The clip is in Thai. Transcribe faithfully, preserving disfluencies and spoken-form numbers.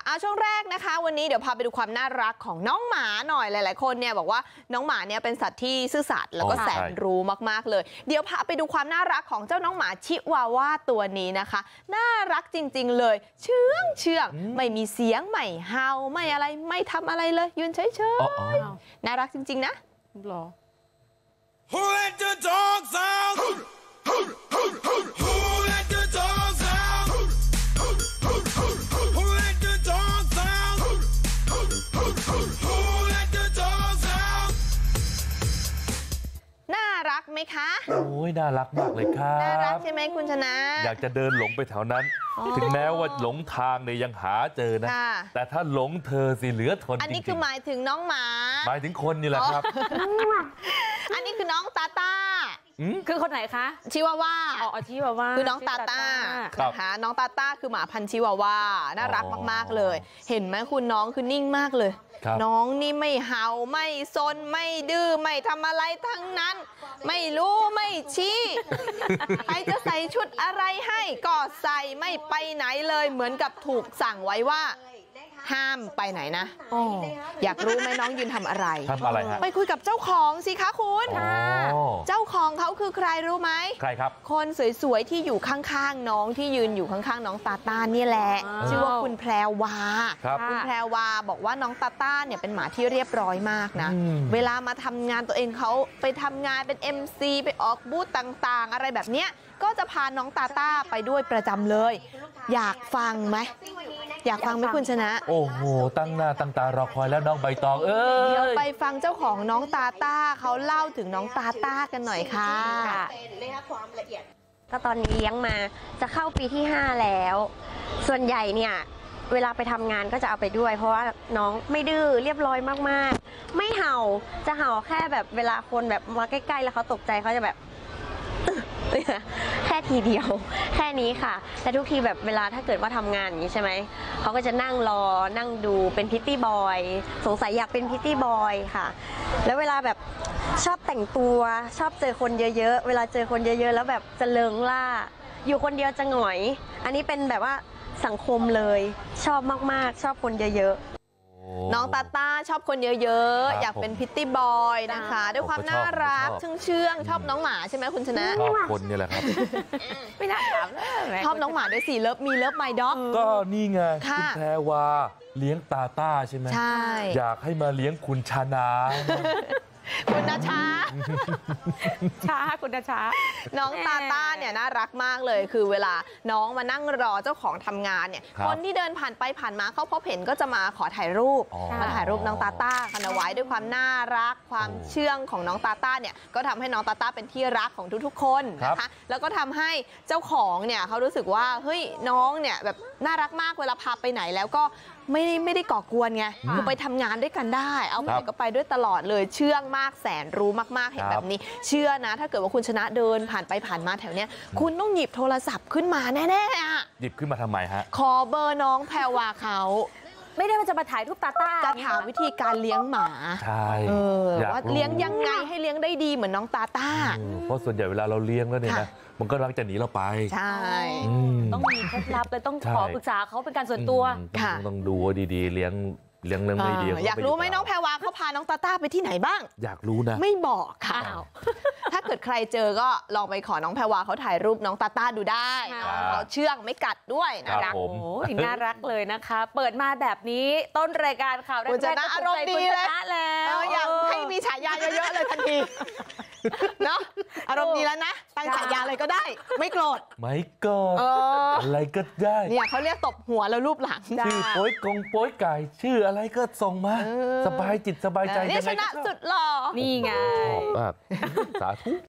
เอาช่วงแรกนะคะวันนี้เดี๋ยวพาไปดูความน่ารักของน้องหมาหน่อยหลายๆคนเนี่ยบอกว่าน้องหมาเนี่ยเป็นสัตว์ที่ซื่อสัตย์แล้วก็แสนรู้มากๆเลยเดี๋ยวพาไปดูความน่ารักของเจ้าน้องหมาชิวาว่าตัวนี้นะคะน่ารักจริงๆเลยเชื่องเชื่องไม่มีเสียงไม่เห่าไม่อะไรไม่ทำอะไรเลยยืนเฉยๆน่ารักจริงๆนะหรอ Who let the dogs out Who let the dogs out Who let the dogs out Who let the dogs out น่ารักไหมคะโอ้ยน่ารักมากเลยครับน่ารักใช่ไหมคุณชนะอยากจะเดินหลงไปแถวนั้นถึงแม้ว่าหลงทางเนี่ยยังหาเจอนะแต่ถ้าหลงเธอสิเหลือทนจริงๆอันนี้คือหมายถึงน้องหมาหมายถึงคนนี่แหละครับอันนี้คือน้องตาตาคือคนไหนคะชิวาว่าอ๋อชิวาว่าคือน้องตาตานะคะน้องตาตาคือหมาพันธุ์ชิวาว่าน่ารักมากๆเลยเห็นไหมคุณน้องคือนิ่งมากเลยน้องนี่ไม่เห่าไม่ซนไม่ดื้อไม่ทำอะไรทั้งนั้นไม่รู้ไม่ชี้ใครจะใส่ชุดอะไรให้ก็ใส่ไม่ไปไหนเลยเหมือนกับถูกสั่งไว้ว่าห้ามไปไหนนะอยากรู้ไหมน้องยืนทำอะไรทำอะไรฮะไปคุยกับเจ้าของสิคะคุณเจ้าของเขาคือใครรู้ไหมใครครับคนสวยๆที่อยู่ข้างๆน้องที่ยืนอยู่ข้างๆน้องตาต้านี่แหละชื่อว่าคุณแพรวาคุณแพรวาบอกว่าน้องตาต้าเนี่ยเป็นหมาที่เรียบร้อยมากนะเวลามาทำงานตัวเองเขาไปทำงานเป็น เอ็ม ซี ไปออกบูธต่างๆอะไรแบบเนี้ยก็จะพาน้องตาต้าไปด้วยประจำเลยอยากฟังไหมอยากฟังไหมคุณชนะโอ้โหตั้งหน้าตั้งตารอคอยแล้วน้องใบตองเอ้ยเดี๋ยวไปฟังเจ้าของน้องตาต้าเขาเล่าถึงน้องตาต้ากันหน่อยค่ะก็ตอนนี้เลี้ยงมาจะเข้าปีที่ห้าแล้วส่วนใหญ่เนี่ยเวลาไปทำงานก็จะเอาไปด้วยเพราะว่าน้องไม่ดื้อเรียบร้อยมากๆไม่เห่าจะเห่าแค่แบบเวลาคนแบบมาใกล้ๆแล้วเขาตกใจเขาจะแบบแค่ทีเดียวแค่นี้ค่ะแต่ทุกทีแบบเวลาถ้าเกิดว่าทำงานอย่างนี้ใช่ไหมเขาก็จะนั่งรอนั่งดูเป็นพิตตี้บอยสงสัยอยากเป็นพิตตี้บอยค่ะแล้วเวลาแบบชอบแต่งตัวชอบเจอคนเยอะๆเวลาเจอคนเยอะๆแล้วแบบจะเลิงล่าอยู่คนเดียวจะหงอยอันนี้เป็นแบบว่าสังคมเลยชอบมากๆชอบคนเยอะๆน้องตาต้าชอบคนเยอะๆอยากเป็นพิตตี้บอยนะคะด้วยความน่ารักเชื่องๆชอบน้องหมาใช่ไหมคุณชนะชอบคนนี่แหละครับไม่น่าถามเลยชอบน้องหมาด้วยสิเลิฟมีเลิฟไมด็อกก็นี่ไงคุณแพรวาเลี้ยงตาต้าใช่ไหมใช่อยากให้มาเลี้ยงคุณชนะคุณนาชาช้าคุณนาชาน้องตาต้าเนี่ยน่ารักมากเลยคือเวลาน้องมานั่งรอเจ้าของทำงานเนี่ยคนที่เดินผ่านไปผ่านมาเขาพบเห็นก็จะมาขอถ่ายรูปมาถ่ายรูปน้องตาต้ากันเอาไว้ด้วยความน่ารักความเชื่องของน้องตาต้าเนี่ยก็ทำให้น้องตาต้าเป็นที่รักของทุกๆคนนะคะแล้วก็ทำให้เจ้าของเนี่ยเขารู้สึกว่าเฮ้ยน้องเนี่ยแบบน่ารักมากเวลาพาไปไหนแล้วก็ไม่ได้ไม่ได้ก่อกวนไงคือไปทำงานด้วยกันได้เอาไปก็ไปด้วยตลอดเลยเชื่องมากแสนรู้มากๆเห็นแบบนี้เชื่อนะถ้าเกิดว่าคุณชนะเดินผ่านไปผ่านมาแถวเนี้ยคุณต้องหยิบโทรศัพท์ขึ้นมาแน่ๆอ่ะหยิบขึ้นมาทำไมฮะขอเบอร์น้องแพรวาเขาไม่ได้ว่าจะมาถ่ายรูปตาต้าจะถามวิธีการเลี้ยงหมาใช่ว่าเลี้ยงยังไงให้เลี้ยงได้ดีเหมือนน้องตาต้าเพราะส่วนใหญ่เวลาเราเลี้ยงแล้วเนี่ยนะมันก็รักจะหนีเราไปใช่ต้องมีเคล็ดลับเลยต้องขอปรึกษาเขาเป็นการส่วนตัวค่ะต้องดูดีๆเลี้ยงเลี้ยงเลี้ยงไม่ดีอยากรู้ไหมน้องแพรวาเขาพาน้องตาต้าไปที่ไหนบ้างอยากรู้นะไม่บอกค่ะถ้าเกิดใครเจอก็ลองไปขอน้องแพรวาเขาถ่ายรูปน้องตาต้าดูได้เขาเชื่องไม่กัดด้วยนะโอ้ยน่ารักเลยนะคะเปิดมาแบบนี้ต้นรายการข่าวแรกๆจะน่าอารมณ์ดีเลยแล้วอยากให้มีฉายาเยอะๆเลยทันทีเนาะอารมณ์ดีแล้วนะตั้งฉายาอะไรก็ได้ไม่โกรธไม่โกรธอะไรก็ได้เนี่ยเขาเรียกตบหัวแล้วรูปหลังชื่อโป้ยกงโป้ยไก่ชื่ออะไรก็ส่งมาสบายจิตสบายใจนี่ชนะสุดหล่อนี่ไงชอบมากสาธุ